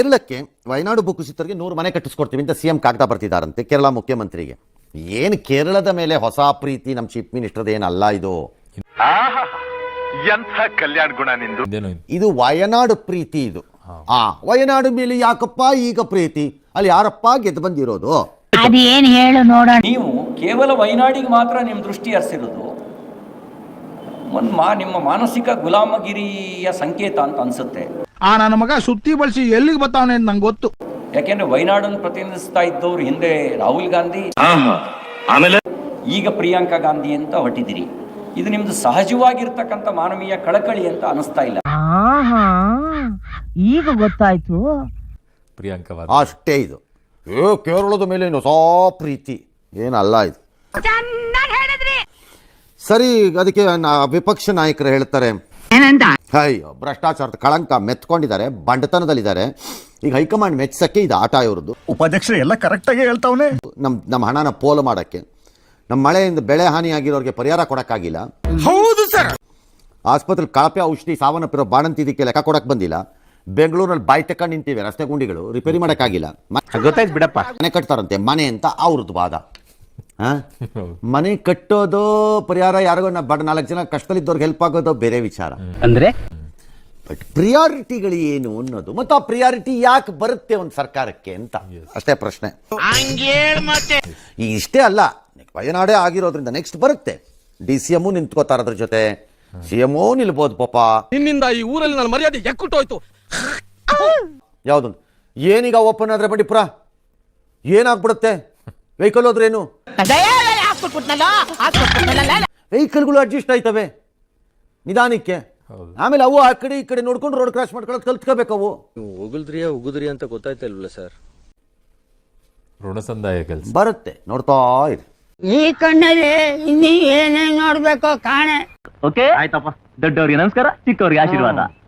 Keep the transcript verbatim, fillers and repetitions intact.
ಕೇರಳಕ್ಕೆ ವಯನಾಡು ಭೂಕುಸಿತರಿಗೆ ನೂರು ಮನೆ ಕಟ್ಟಿಸ್ಕೊಡ್ತೀವಿ ಅಂತ ಸಿ ಎಂ ಕಾಗದ ಬರ್ತಿದ್ದಾರಂತೆ ಕೇರಳ ಮುಖ್ಯಮಂತ್ರಿಗೆ. ಏನು ಕೇರಳದ ಮೇಲೆ ಹೊಸ ಪ್ರೀತಿ ನಮ್ಮ ಚೀಫ್ ಮಿನಿಸ್ಟರ್ದ ಏನಲ್ಲ ಇದು. ಎಂಥ ಕಲ್ಯಾಣ ಗುಣ ನಿಂದು. ಇದು ವಯನಾಡು ಪ್ರೀತಿ. ಇದು ಆ ವಯನಾಡು ಮೇಲೆ ಯಾಕಪ್ಪ ಈಗ ಪ್ರೀತಿ? ಅಲ್ಲಿ ಯಾರಪ್ಪ ಗೆದ್ದು ಬಂದಿರೋದು? ಅದೇನು ಹೇಳು ನೋಡೋಣ. ನೀವು ಕೇವಲ ವಯನಾಡಿಗೆ ಮಾತ್ರ ನಿಮ್ಮ ದೃಷ್ಟಿ ಹರಿಸಿರೋದು ಒಂದು ಮಾ ನಿಮ್ಮ ಮಾನಸಿಕ ಗುಲಾಮಗಿರಿಯ ಸಂಕೇತ ಅಂತ ಅನ್ಸುತ್ತೆ. ಆ ನನ್ನ ಮಗ ಸುತ್ತಿ ಬಳಸಿ ಎಲ್ಲಿಗೆ ಬರ್ತಾವನೆ ಅಂತ ನಂಗೆ ಗೊತ್ತು. ಯಾಕೆಂದ್ರೆ ವಯನಾಡನ್ನು ಪ್ರತಿನಿಧಿಸ್ತಾ ಇದ್ದವ್ರು ಹಿಂದೆ ರಾಹುಲ್ ಗಾಂಧಿ, ಆಮೇಲೆ ಈಗ ಪ್ರಿಯಾಂಕಾ ಗಾಂಧಿ ಅಂತ ಹೊಟ್ಟಿದ್ದೀರಿ. ಇದು ನಿಮ್ದು ಸಹಜವಾಗಿರ್ತಕ್ಕಂಥ ಮಾನವೀಯ ಕಳಕಳಿ ಅಂತ ಅನಿಸ್ತಾ ಇಲ್ಲ. ಈಗ ಗೊತ್ತಾಯ್ತು. ಪ್ರಿಯಾಂಕಾ ಅಷ್ಟೇ ಇದು. ಏ ಕೇರಳದ ಮೇಲೆ ಹೊಸ ಪ್ರೀತಿ ಏನಲ್ಲ ಇದು. ಸರಿ, ಅದಕ್ಕೆ ವಿಪಕ್ಷ ನಾಯಕರು ಹೇಳ್ತಾರೆ ಅಯ್ಯೋ ಭ್ರಷ್ಟಾಚಾರದ ಕಳಂಕ ಮೆತ್ಕೊಂಡಿದ್ದಾರೆ, ಬಂಡತನದಲ್ಲಿದ್ದಾರೆ. ಈಗ ಹೈಕಮಾಂಡ್ ಮೆಚ್ಚಕ್ಕೆ ಇದು ಆಟ ಇವ್ರದ್ದು. ಉಪಾಧ್ಯಕ್ಷರು ಎಲ್ಲ ಕರೆಕ್ಟಾಗಿ ಹೇಳ್ತಾವನೆ. ನಮ್ಮ ನಮ್ಮ ಹಣನ ಪೋಲು ಮಾಡೋಕ್ಕೆ, ನಮ್ಮ ಮಳೆಯಿಂದ ಬೆಳೆ ಹಾನಿಯಾಗಿರೋರಿಗೆ ಪರಿಹಾರ ಕೊಡೋಕ್ಕಾಗಿಲ್ಲ. ಹೌದು ಸರ್. ಆಸ್ಪತ್ರೆ ಕಳಪೆ ಔಷಧಿ ಸಾವನ್ನಪ್ಪಿರೋ ಬಾಣಂತಿದ್ದಕ್ಕೆ ಲೆಕ್ಕ ಕೊಡಕ್ಕೆ ಬಂದಿಲ್ಲ. ಬೆಂಗಳೂರಲ್ಲಿ ಬಾಯಿ ತಕೊಂಡು ನಿಂತಿವೆ, ರಸ್ತೆ ಗುಂಡಿಗಳು ರಿಪೇರಿ ಮಾಡೋಕ್ಕಾಗಿಲ್ಲ. ಗೊತ್ತಾಯ್ತು ಬಿಡಪ್ಪ. ಮನೆ ಕಟ್ತಾರಂತೆ, ಮನೆ ಅಂತ ಅವ್ರದ್ದು ವಾದ. ಮನೆ ಕಟ್ಟೋದು ಪರಿಹಾರ, ಯಾರಿಗೋ ಬಡ ನಾಲ್ಕು ಜನ ಕಷ್ಟದಲ್ಲಿದ್ದವ್ರಿಗೆ ಹೆಲ್ಪ್ ಆಗೋದು ಬೇರೆ ವಿಚಾರ. ಅಂದ್ರೆ ಬಟ್ ಪ್ರಿಯಾರಿಟಿಗಳು ಏನು ಅನ್ನೋದು, ಮತ್ತು ಆ ಪ್ರಿಯಾರಿಟಿ ಯಾಕೆ ಬರುತ್ತೆ ಒಂದು ಸರ್ಕಾರಕ್ಕೆ ಅಂತ ಅಷ್ಟೇ ಪ್ರಶ್ನೆ. ಈಗ ಇಷ್ಟೇ ಅಲ್ಲ, ವಯನಾಡೇ ಆಗಿರೋದ್ರಿಂದ ನೆಕ್ಸ್ಟ್ ಬರುತ್ತೆ. ಡಿ ಸಿ ಎಮ್ಮು ನಿಂತ್ಕೋತಾರ ಅದ್ರ ಜೊತೆ, ಸಿ ಎಮ್ಮು ನಿಲ್ಬೋದು. ಪಾಪ ನಿನ್ನಿಂದ ಈ ಊರಲ್ಲಿ ನನ್ನ ಮರ್ಯಾದೆ ಎಕ್ಕುಟ್ಟೋಯ್ತು. ಯಾವ್ದು ಏನೀಗ ಓಪನ್ ಆದ್ರೆ ಬಂಡಿ ಪುರ ಏನಾಗ್ಬಿಡುತ್ತೆ? ವೆಹಿಕಲ್ ಹೋದ್ರೇನು, ವೆಹಿಕಲ್ಗಳು ಅಡ್ಜಸ್ಟ್ ಆಯ್ತವೆ ನಿಧಾನಕ್ಕೆ. ಆಮೇಲೆ ಅವು ಆ ಕಡೆ ಈ ಕಡೆ ನೋಡ್ಕೊಂಡು ರೋಡ್ ಕ್ರಾಸ್ ಮಾಡ್ಕೊಳ್ಳೋದು ಕಲ್ತ್ಕೋಬೇಕು. ಅವು ಉಗುಲ್ದ್ರಿಯ ಉಗುದ್ರಿ ಅಂತ ಗೊತ್ತಾಯ್ತಾ ಇಲ್ವಲ್ಲ ಸರ್? ಋಣಸಂದಾಯ ಕೆಲಸ ಬರುತ್ತೆ, ನೋಡ್ತಾ ಇರಿ. ಈ ಕಣ್ಣಲ್ಲಿ ಇನ್ನೀ ಏನೇನ್ ನೋಡ್ಬೇಕೋ ಕಾಣೆ. ಓಕೆ ಆಯ್ತಪ್ಪ. ದೊಡ್ಡವ್ರಿಗೆ ನಮಸ್ಕಾರ, ಚಿಕ್ಕವ್ರಿಗೆ ಆಶೀರ್ವಾದ.